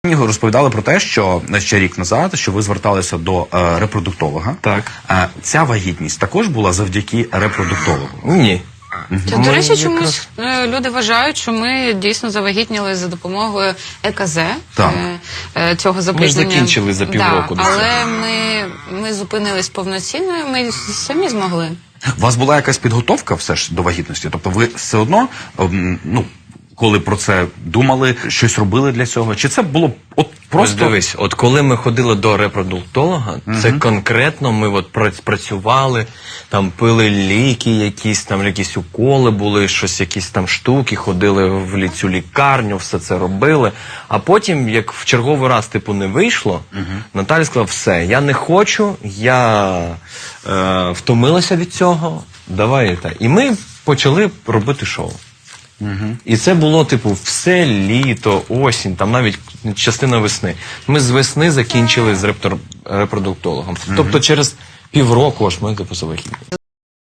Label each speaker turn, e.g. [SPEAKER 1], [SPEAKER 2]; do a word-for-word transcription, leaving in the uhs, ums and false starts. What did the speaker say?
[SPEAKER 1] Мені розповідали про те, що ще рік назад, що ви зверталися до е, репродуктолога.
[SPEAKER 2] Так.
[SPEAKER 1] Е, ця вагітність також була завдяки репродуктологу?
[SPEAKER 2] Ні.
[SPEAKER 3] Це, до речі, чомусь е, люди вважають, що ми дійсно завагітніли за допомогою е ка зе,
[SPEAKER 1] Так.
[SPEAKER 3] е, е, цього запізнення.
[SPEAKER 2] Ми ж закінчили за півроку
[SPEAKER 3] Да,
[SPEAKER 2] до цього.
[SPEAKER 3] але ми, ми зупинились повноцінно, ми самі змогли.
[SPEAKER 1] У вас була якась підготовка все ж до вагітності? Тобто ви все одно, ем, ну, коли про це думали, щось робили для цього? Чи це було от
[SPEAKER 2] Просто
[SPEAKER 1] просто...
[SPEAKER 2] дивись, от коли ми ходили до репродуктолога, це конкретно ми от прац- працювали, там пили ліки якісь, там якісь уколи були, щось, якісь там штуки, ходили в лі- цю лікарню, все це робили. А потім, як в черговий раз, типу, не вийшло, Наталя сказала, все, я не хочу, я е, втомилася від цього, давай. Та. І ми почали робити шоу. Угу. І це було, типу, все літо, осінь, там навіть частина весни. Ми з весни закінчили з рептор- репродуктологом. Тобто через півроку аж ми, типу, завагітніли.